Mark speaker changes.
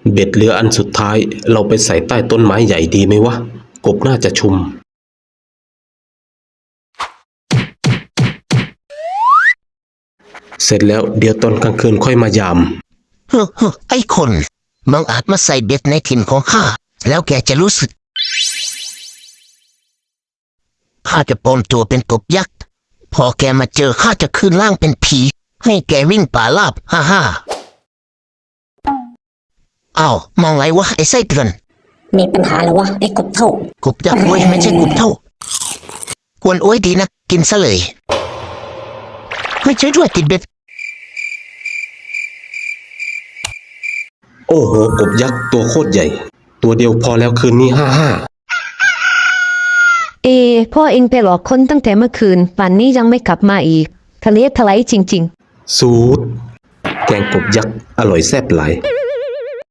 Speaker 1: เบ็ดเรืออันสุดท้ายเราไปใส่ใต้ต้นไม้ใหญ่ดีไหมวะกบน่าจะชุมเสร็จแล้วเดี๋ยวตอนกลางคืนค่อยมายาม
Speaker 2: ไอ้คนมึงอาจมาใส่เบ็ดในถิ่นของข้าแล้วแกจะรู้สึกข้าจะปลอมตัวเป็นกบยักษ์พอแกมาเจอข้าจะขึ้นร่างเป็นผีให้แกวิ่งป่าลาบฮ่าอ้าวมองไรวะไอ้ไส้เดือน
Speaker 3: มีปัญหาหรอวะไอ้กบเท่าก
Speaker 2: บยักษ์เว้ยไม่ใช่กบเท่ากวนโอ้ยดีนะกินซะเลยไม่ใช่ด้วยติดเบ็ด
Speaker 1: โอ้โหกบยักษ์ตัวโคตรใหญ่ตัวเดียวพอแล้วคืนนี้55
Speaker 4: พ่อเองไปหลอกคนตั้งแต่เมื่อคืนป่านนี้ยังไม่กลับมาอีกทะเลทลายจริง
Speaker 1: สูตรแกงกบยักษ์อร่อยแซ่บหลาย